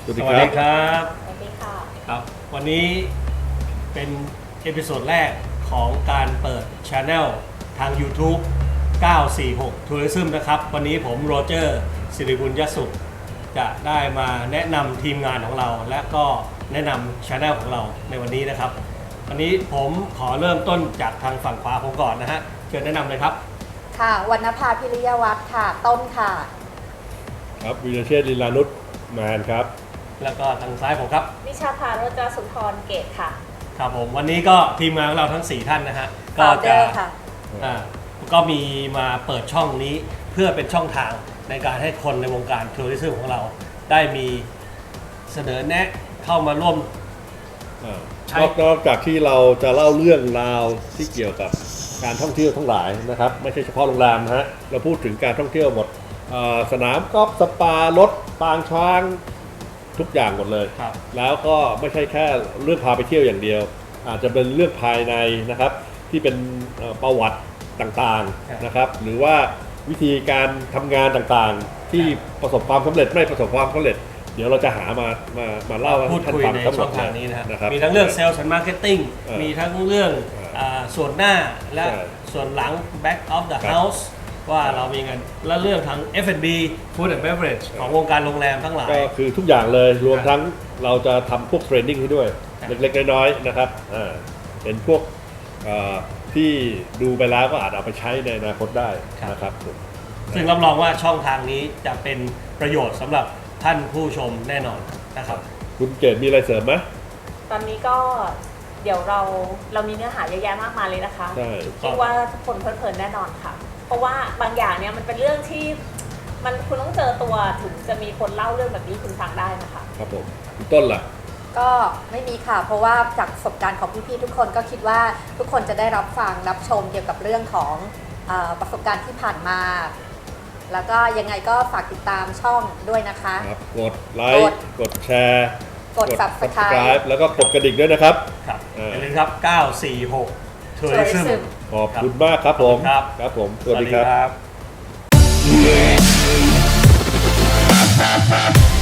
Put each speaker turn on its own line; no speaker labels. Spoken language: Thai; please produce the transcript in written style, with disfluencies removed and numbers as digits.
วัสดี
ส
ค
วัส
รั
ดี
บ
ครับ
สวัสดีค่ะ
ครับวันนี้เป็นเอพิโซดแรกของการเปิด Channel ทาง YouTube 946 Tourism นะครับ วันนี้ผมโรเจอร์สิริบุญยสุขจะได้มาแนะนำทีมงานของเรา และก็แนะนำ Channel ของเราในวันนี้นะครับ วันนี้ผมขอเริ่มต้นจากทางฝั่งขวาผมก่อนนะฮะเชิญแนะนำเลยครับ
ค่ะวรรณภาพิริยวัฒน์ค่ะ ต้นค่ะ
ครับวิรเชษฐ์ลีลานุชมานครับ
แล้วก็ทางซ้ายผมครับ
วิชาภาโรจสุนทรเกตค่ะ
ครับผมวันนี้ก็ทีมงานของเราทั้ง 4 ท่านนะฮะก็จะ
Founder ค่ะ
ก็มีมาเปิดช่องนี้เพื่อเป็นช่องทางในการให้คนในวงการทัวริซึมของเราได้มีเสนอแนะเข้ามาร่วม ใช่
นอกจากที่เราจะเล่าเรื่องราวที่เกี่ยวกับการท่องเที่ยวทั้งหลายนะครับ ไม่ใช่เฉพาะโรงแรมนะฮะเราพูดถึงการท่องเที่ยวหมดสนามกอล์ฟสปารถปางช้างทุกอย่างหมดเลย
ครับ
แล้วก็ไม่ใช่แค่เรื่องพาไปเที่ยวอย่างเดียว อาจจะเป็นเรื่องภายในนะครับที่เป็นประวัติต่างๆนะครับหรือว่าวิธีการทำงานต่างๆที่ประสบความสำเร็จไม่ประสบความสำเร็จ เดี๋ยวเราจะหามาเล่าให้
พูด
ท่าน
คุย
ฟัง
ใน
ทั้งหม
ช่อ
ด
งทางนี้นะ
นะครับ
มีทั้งเรื่องเซลล์และมาร์เก็ตติ้งมีทั้งเรื่องส่วนหน้าและ
ใช่
ส่วนหลัง back of the
ครับ
house ว่าเรามีเงินและเรื่องทั้ง F&B food and beverage ของวงการโรงแรมทั้งหลาย
ก็คือทุกอย่างเลยรวมทั้งเราจะทำพวกเทรนนิ่งให้ด้วย
ครับ
เล็กๆน้อยๆนะครับเป็นพวกที่ดูไปแล้วก็อาจเอาไปใช้ในอนาคตได้นะครับผม
ซึ่งรับรองว่าช่องทางนี้จะเป็นประโยชน์สำหรับท่านผู้ชมแน่นอนนะครับ
คุณเกดมีอะไรเสริมไหม
ตอนนี้ก็เดี๋ยวเรามีเนื้อหาเยอะแยะมากมายเลยนะคะ
ใช่
คิดว่าทุกคนเพลิดเพลินแน่นอนค่ะ เพราะว่าบางอย่างเนี่ยมันเป็นเรื่องที่คุณต้องเจอตัวถึงจะมีคนเล่าเรื่องแบบนี้คุณฟังได้นะคะ
ครับผมคุณต้นล่ะ
ก็ไม่มีค่ะ เพราะว่าจากประสบการณ์ของพี่ๆทุกคนก็คิดว่าทุกคนจะได้รับฟังรับชมเกี่ยวกับเรื่องของประสบการณ์ที่ผ่านมา แล้วก็ยังไงก็ฝากติดตามช่องด้วยนะคะ
ครับกดไลค์กดแชร์
กด Subscribe
แล้วก็กดกระดิ่งด้วยนะครับ
ครับ
อ่า
อย่าลืมครับ 946 Tourism
Tourism
ขอบคุณมากครับผม
ครับ
ครับผมสวัสดีครับ
ครับ